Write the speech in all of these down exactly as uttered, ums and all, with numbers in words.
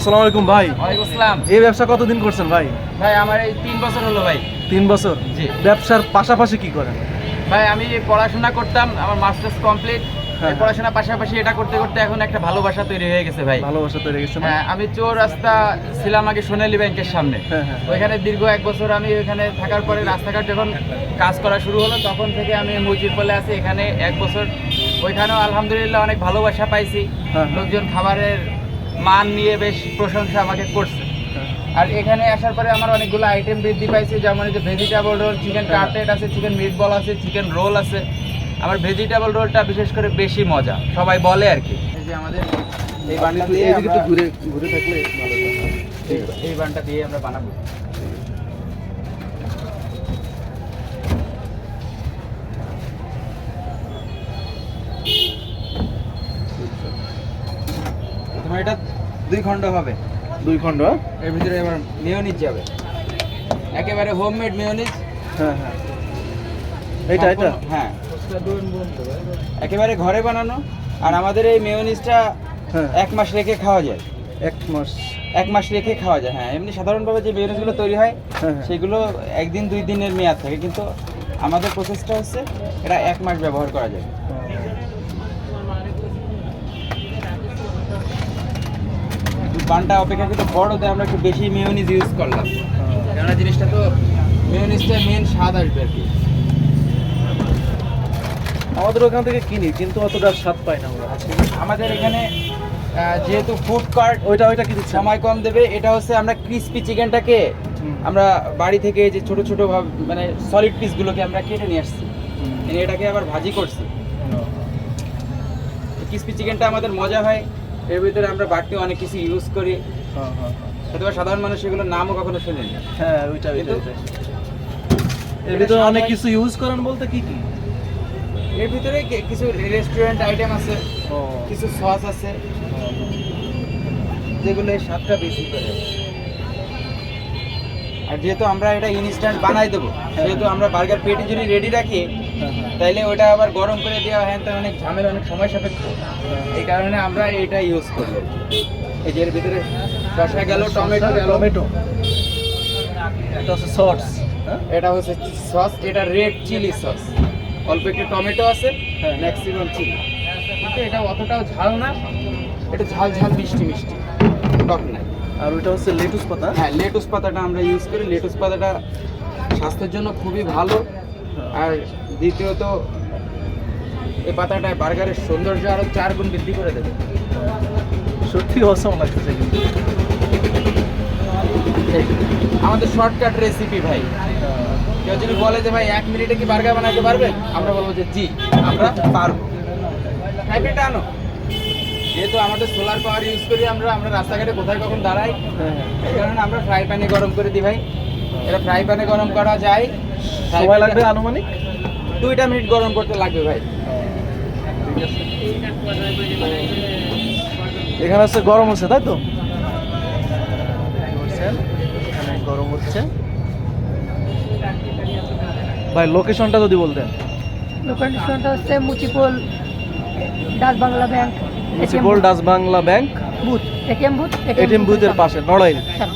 আসসালামু আলাইকুম ভাই। ওয়ালাইকুম আসসালাম। এই ব্যবসা কতদিন করছেন ভাই? ভাই আমার এই তিন বছর হলো ভাই। তিন বছর? জি। ব্যবসার পাশাপাশি কি করেন? ভাই আমি পড়াশোনা করতাম, আমার মাস্টার্স কমপ্লিট। হ্যাঁ। পড়াশোনার পাশাপাশি এটা করতে করতে এখন একটা ভালোবাসা তৈরি হয়ে গেছে ভাই। ভালোবাসা তৈরি হয়ে গেছে না? হ্যাঁ, আমি চোর রাস্তা ছিলাম আগে সোনালী ব্যাংকের সামনে। হ্যাঁ, হ্যাঁ। ওইখানে দীর্ঘ এক বছর আমি ওইখানে থাকার পরে রাস্তাঘাট যখন কাজ করা শুরু হলো তখন থেকে আমি মুজির পলে আছি এখানে এক বছর। ওইখানেও আলহামদুলিল্লাহ অনেক ভালোবাসা পাইছি। হ্যাঁ। লোকজন খাবারের মান নিয়ে বেশ প্রশংসা আমাকে করছে। আর এখানে আসার পরে আমার অনেকগুলো আইটেম বৃদ্ধি পাইছে, যেমন এই যে ভেজিটেবল রোল, চিকেন কাটলেট আছে, চিকেন মিট বল আছে, চিকেন রোল আছে। আমার ভেজিটেবল রোলটা বিশেষ করে বেশি মজা, সবাই বলে আর কি। এই যে আমাদের এই বানটা দিয়ে এদিকে একটু আমরা- ঘুরে ঘুরে থাকলে ভালো হয়। এই- এই বানটা দিয়ে আমরা বানাবো। তোমার এটা দুই খণ্ড হবে। দুই খণ্ড? হ্যাঁ? এর ভিতরে এবার মেয়োনিজ যাবে, একেবারে হোমমেড মেয়োনিজ। হ্যাঁ হ্যাঁ। এইটা এটা? হ্যাঁ, একেবারে ঘরে বানানো। আর আমাদের এই মেয়োনিজটা হ্যাঁ। এক মাস রেখে খাওয়া যায়। এক মাস? এক মাস রেখে খাওয়া যায়, হ্যাঁ। এমনি সাধারণভাবে যে মেয়োনিজগুলো তৈরি হয় হ্যাঁ, হ্যাঁ। সেগুলো একদিন দুই দিনের মেয়াদ থাকে, কিন্তু আমাদের প্রসেসটা হচ্ছে এটা এক মাস ব্যবহার করা যায়। বানটা অপেক্ষাকৃত বড়, তাই আমরা একটু বেশি মেয়োনিজ ইউজ করলাম, কেননা জিনিসটা তো মেয়োনিজটা মেন স্বাদ আসবে আর কি। আমাদের ওখান থেকে কিনি কিন্তু অতটা স্বাদ পাই না আমরা। আমাদের এখানে আহ, যেহেতু ফুড কার্ট ওইটা ওইটা কি দিচ্ছেন? সময় কম দেবে, এটা হচ্ছে আমরা ক্রিস্পি চিকেনটাকে হুম। আমরা বাড়ি থেকে যে ছোট ছোট ভাব মানে সলিড পিসগুলোকে আমরা কেটে নিয়ে আসছি, হুম। এনে এটাকে আবার ভাজি করছি। ক্রিস্পি চিকেনটা আমাদের মজা হয়, এর ভিতরে আমরা বাড়তি অনেক কিছু ইউজ করি, হ্যাঁ হ্যাঁ হয়তো বা সাধারণ মানুষ এগুলোর নামও কখনো শোনেনি। হ্যাঁ। ওইটা ওইটা কিন্তু- ওইটা। এর ভিতরে অনেক কিছু ইউজ করেন বলতে কি কি? এর ভিতরে কি- কিছু রেস্টুরেন্ট আইটেম আছে, ও কিছু সস আছে, যেগুলো এর স্বাদটা বেশি করে। আর যেহেতু আমরা এটা ইনস্ট্যান্ট বানাই দেবো, সেহেতু আমরা বার্গার পেটি যদি রেডি রাখি হ্যাঁ হ্যাঁ। তাইলে ওটা আবার গরম করে দেওয়া হ্যাঁ তার অনেক ঝামেলা, অনেক সময় সাপেক্ষ। এই কারণে আমরা এটা ইউজ করি। এই যে এর ভিতরে শসা গেল, টমেটো গেল, টমেটো। এটা হচ্ছে সস। হ্যাঁ? এটা হচ্ছে সস, এটা রেড চিলি সস। অল্প একটু টমেটো আছে, হ্যাঁ। ম্যাক্সিমাম চিলি, কিন্তু এটা অতটাও ঝাল না, এটা ঝাল ঝাল মিষ্টি মিষ্টি, টক নাই। আর ওইটা হচ্ছে লেটুস পাতা। হ্যাঁ, লেটুস পাতাটা আমরা ইউজ করি। লেটুস পাতাটা স্বাস্থ্যের জন্য খুবই ভালো। আর দ্বিতীয়ত এই পাতাটা বার্গারের সৌন্দর্য আরো চার গুণ বৃদ্ধি করে দেবে। সত্যি অসম লাগতেছে কিন্তু। এই আমাদের শর্টকাট রেসিপি ভাই। কেউ যদি বলে যে ভাই এক মিনিটে কি বার্গার বানাতে পারবেন, আমরা বলবো যে জি, আমরা পারবো। হাইব্রিডটা আনো। যেহেতু আমাদের সোলার পাওয়ার ইউজ করি আমরা, আমরা রাস্তাঘাটে কোথায় কখন দাঁড়াই, হ্যাঁ হ্যাঁ। এই কারণে আমরা ফ্রাই প্যানে গরম করে দিই ভাই। এটা ফ্রাই প্যানে গরম করা যায়, সময় লাগবে আনুমানিক? দুইটা মিনিট গরম করতে লাগবে ভাই। ঠিক আছে। এখানে হচ্ছে গরম হচ্ছে তাই তো? বুঝছেন? এখানে গরম হচ্ছে। ভাই লোকেশনটা যদি বলতেন। লোকেশনটা হচ্ছে মুচিপোল Dutch Bangla bank, municipal Dutch Bangla bank booth, ATM booth, ATM বুথের পাশে, নড়াইল।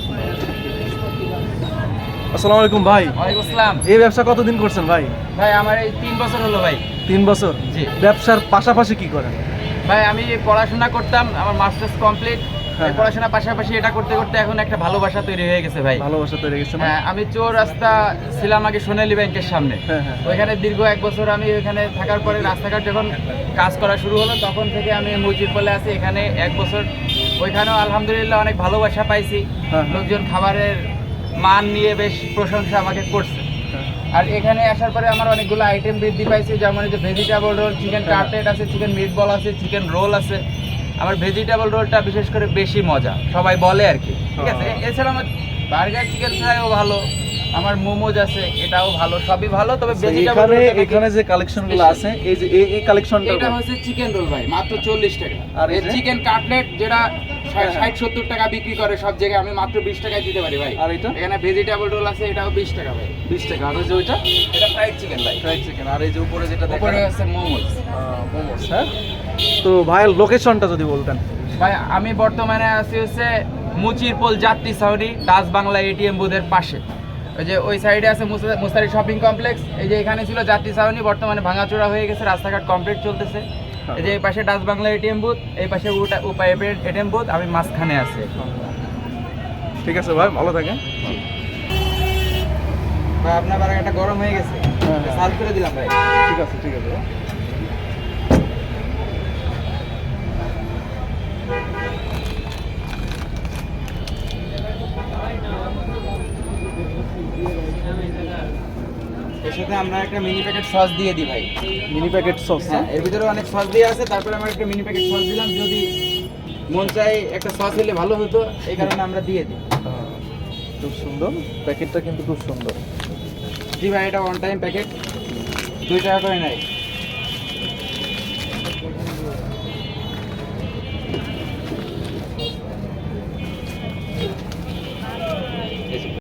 আসসালামু আলাইকুম ভাই। ওয়ালাইকুম আসসালাম। এই ব্যবসা কতদিন করছেন ভাই? ভাই আমার এই তিন বছর হলো ভাই। তিন বছর? জি। ব্যবসার পাশাপাশি কি করেন? ভাই আমি পড়াশোনা করতাম, আমার মাস্টার্স কমপ্লিট। হ্যাঁ। পড়াশোনার পাশাপাশি এটা করতে করতে এখন একটা ভালোবাসা তৈরি হয়ে গেছে ভাই। ভালোবাসা তৈরি গেছে না? হ্যাঁ, আমি চোর রাস্তা ছিলাম আগে সোনালী ব্যাংকের সামনে। হ্যাঁ হ্যাঁ। ওইখানে দীর্ঘ এক বছর আমি ওইখানে থাকার পরে রাস্তাঘাট যখন কাজ করা শুরু হলো তখন থেকে আমি মুজির পলে আছি এখানে এক বছর। ওইখানেও আলহামদুলিল্লাহ অনেক ভালোবাসা পাইছি। হ্যাঁ। লোকজন খাবারের মান নিয়ে বেশ প্রশংসা আমাকে করছে। হ্যাঁ। আর এখানে আসার পরে আমার অনেকগুলো আইটেম বৃদ্ধি পাইছে, যেমন এই যে ভেজিটেবল রোল, চিকেন হ্যাঁ। কাটলেট আছে, চিকেন মিট বল আছে, চিকেন রোল আছে। আমার ভেজিটেবল রোলটা বিশেষ করে বেশি মজা, সবাই বলে আর কি। ঠিক আছে, হ্যাঁ। এছাড়া আমার বার্গার চিকেন ফ্রাইও ভালো, আমার মোমোজ আছে, এটাও ভালো, সবই ভালো। তবে ভেজিটেবল এখানে রোলটা এখানে যে কালেকশনগুলো আছে এই যে এই- এই কালেকশনটা এটা হচ্ছে চিকেন রোল ভাই, মাত্র চল্লিশ টাকা। আর আর এই যে? চিকেন কাটলেট যেটা হ্যাঁ। ষাট সত্তর টাকা বিক্রি করে সব জায়গায়, আমি মাত্র বিশ টাকায় দিতে পারি ভাই। আর এটা? এখানে ভেজিটেবল রোল আছে, এটাও বিশ টাকা ভাই। বিশ টাকা। আর ওই যে ওইটা এটা ফ্রাইড চিকেন ভাই। Fried chicken. আর এই যে উপরে যেটা দেখা উপরে আছে মোমোজ। মোমোস। হ্যাঁ। তো ভাইয়ের লোকেশনটা যদি বলতেন। ভাই আমি বর্তমানে আছি হচ্ছে মুচিরপোল যাত্রী ছাউনি ডাচ বাংলা এটিএম বুথের পাশে। ওই যে ওই সাইডে আছে মুসা- মুস্তারি শপিং কমপ্লেক্স। এই যে এখানে ছিল যাত্রী ছাউনি, বর্তমানে ভাঙাচোরা হয়ে গেছে, রাস্তাঘাট কমপ্লিট চলতেছে। এই যে এই পাশে ডাচ বাংলা এটিএম বুথ, এই পাশে উপায় এটিএম বুথ, আমি মাঝখানে আছি। ঠিক আছে ভাই, ভালো থাকেন। ভাই আপনার বারাকাটা গরম হয়ে গেছে, হ্যাঁ, হ্যাঁ। সার্ভ করে দিলাম ভাই। ঠিক আছে ঠিক আছে। এর সাথে আমরা একটা মিনি প্যাকেট সস দিয়ে দিই ভাই। Mini packet sauce. হ্যাঁ, এর ভিতরে অনেক সস দিয়ে আছে, তারপরে আমরা একটা মিনি প্যাকেট সস দিলাম। যদি মন চাই একটা সস হলে ভালো হতো, এই কারণে আমরা দিয়ে দিই। খুব সুন্দর, প্যাকেটটা কিন্তু খুব সুন্দর। জি ভাই, এটা ওয়ান টাইম প্যাকেট, দুই টাকা করে নেয়।